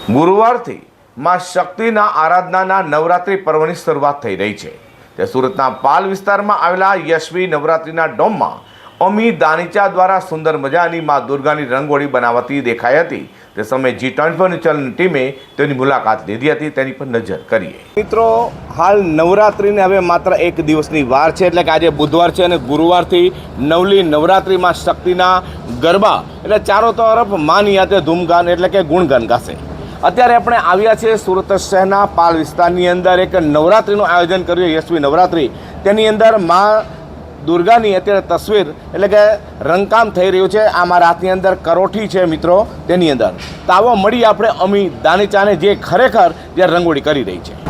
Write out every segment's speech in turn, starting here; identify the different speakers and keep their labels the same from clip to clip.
Speaker 1: ગુરુવારથી માં શક્તિના આરાધનાના નવરાત્રિ પર્વની શરૂઆત થઈ રહી છે। તે સુરતના પાલ વિસ્તારમાં આવેલા યશવી નવરાત્રિના ડોમમાં અમી દાનીચા દ્વારા સુંદર મજાની માં દુર્ગાની રંગોળી બનાવતી દેખાઈ હતી। તે સમયે G24 ન્યૂઝની ટીમે તેની મુલાકાત લીધી હતી। તેની પર નજર કરીએ। મિત્રો, હાલ નવરાત્રિને હવે માત્ર એક દિવસની વાર છે, એટલે કે આજે બુધવાર છે અને ગુરુવારથી નવલી નવરાત્રિમાં શક્તિના ગરબા એટલે ચારો તરફ માની યાતે ધૂમગાન એટલે કે ગુણગાન ગાશે। અત્યારે આપણે આવ્યા છીએ સુરત શહેરના પાલ વિસ્તારની અંદર એક નવરાત્રિનું આયોજન કર્યું યશવી નવરાત્રિ। તેની અંદર માં દુર્ગાની અત્યારે તસવીર એટલે કે રંગકામ થઈ રહ્યું છે। આ મારા હાથની અંદર કરોઠી છે મિત્રો, તેની અંદર તો આવો મળી આપણે અમી દાનીચાને જે ખરેખર જે રંગોળી કરી રહી છે।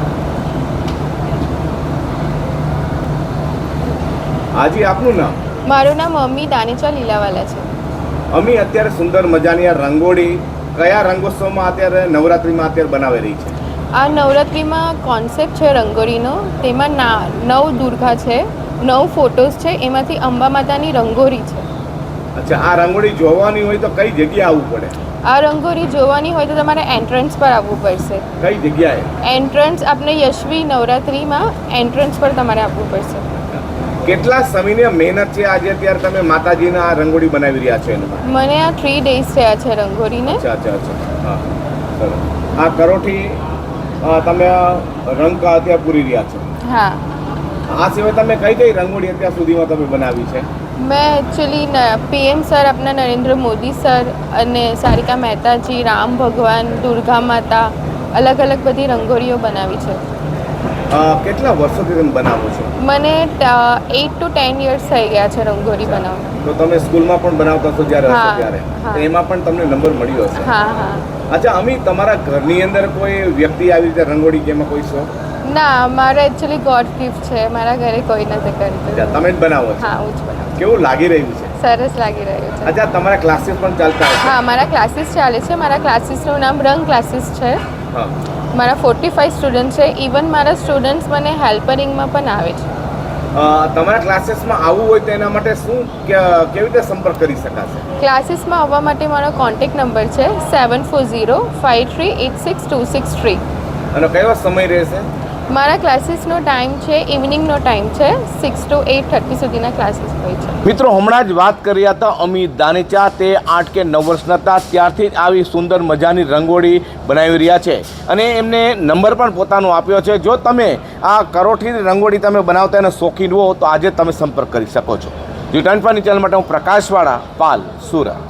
Speaker 1: હાજી, આપનું નામ?
Speaker 2: મારું નામ અમી દાનીચા લીલાવાલા છે।
Speaker 1: અમી, અત્યારે સુંદર મજાની આ રંગોળી કયા રંગોત્સવમાં અત્યારે નવરાત્રિમાં અત્યારે બનાવી રહી છે?
Speaker 2: આ નવરાત્રિમાં કોન્સેપ્ટ છે રંગોળીનો। તેમાં 9 દુર્ગા છે, 9 ફોટોઝ છે, એમાંથી અંબા માતાની રંગોળી છે।
Speaker 1: અચ્છા, આ રંગોળી જોવાની હોય તો કઈ જગ્યાએ આવવું પડે?
Speaker 2: આ રંગોળી જોવાની હોય તો તમારે એન્ટ્રન્સ પર આવવું પડશે।
Speaker 1: કઈ જગ્યાએ?
Speaker 2: એન્ટ્રન્સ આપણે યશવી નવરાત્રિમાં એન્ટ્રન્સ પર તમારે આવવું પડશે।
Speaker 1: કેટલા સમયની મહેનત છે આજે અત્યારે તમે માતાજીના આ રંગોળી બનાવી રહ્યા છો એમાં?
Speaker 2: મને આ 3 ડેઝ થયા છે રંગોળીને।
Speaker 1: અચ્છા, હા, ચલો। આ કરોઠી તમે રંગ અત્યારે પૂરી રહ્યા છો?
Speaker 2: હા।
Speaker 1: આ સિવાય તમે કઈ કઈ રંગોળી અત્યાર સુધીમાં તમે બનાવી છે?
Speaker 2: મેં એકચ્યુઅલી PM સર, આપણા નરેન્દ્ર મોદી સર અને સારિકા મહેતાજી, રામ ભગવાન, દુર્ગા માતા, અલગ અલગ બધી રંગોળીઓ બનાવી છે।
Speaker 1: કેટલા વર્ષોથી તમે બનાવો છો?
Speaker 2: મને 8 to 10 years થઈ ગયા છે રંગોળી બનાવવા।
Speaker 1: તો તમે સ્કૂલમાં પણ બનાવતા હતો જ્યારે
Speaker 2: હા,
Speaker 1: હતો ત્યારે?
Speaker 2: હા।
Speaker 1: તો એમાં પણ તમને નંબર મળ્યો હશે?
Speaker 2: હા, હા।
Speaker 1: અચ્છા અમી, તમારા ઘરની અંદર કોઈ વ્યક્તિ આવી રીતે રંગોળી કે એમાં કોઈ શોખ?
Speaker 2: ના, મારા એકચ્યુઅલી ગોડ ગિફ્ટ છે। મારા ઘરે કોઈ નથી કરતું।
Speaker 1: તમે જ બનાવો છો?
Speaker 2: હા, હું જ બનાવું।
Speaker 1: કેવું લાગી રહ્યું છે?
Speaker 2: સરસ લાગી રહ્યું છે।
Speaker 1: અચ્છા, તમારા ક્લાસીસ પણ ચાલતા હશે?
Speaker 2: હા, મારા ક્લાસીસ ચાલે છે। મારા ક્લાસીસનું નામ રંગ ક્લાસીસ છે।
Speaker 1: હા।
Speaker 2: મારા 45 સ્ટુડન્ટ છે। ઇવન મારા સ્ટુડન્ટ્સ મને હેલ્પરિંગમાં પણ આવે છે।
Speaker 1: તમારા ક્લાસીસમાં આવવું હોય તો એના માટે શું કેવી રીતે સંપર્ક કરી શકાશે?
Speaker 2: ક્લાસીસમાં આવવા માટે મારો કોન્ટેક્ટ નંબર છે 7405386263।
Speaker 1: અને કયો સમય રહેશે? મારા
Speaker 2: ક્લાસીસનો ટાઈમ છે ઇવનિંગનો ટાઈમ છે, 6 to 8:30 સુધીના ક્લાસીસ હોય છે।
Speaker 1: મિત્રો, હમણાં જ વાત કરી હતા અમી દાનીચા। તે 8 કે 9 વર્ષના હતા ત્યારથી જ આવી સુંદર મજાની રંગોળી બનાવી રહ્યા છે અને એમને નંબર પણ પોતાનો આપ્યો છે। જો તમે આ કરોઠીની રંગોળી તમે બનાવતા અને શોખીન હો તો આજે તમે સંપર્ક કરી શકો છો। G24 ચેનલ માટે હું પ્રકાશવાળા, પાલ, સુરત।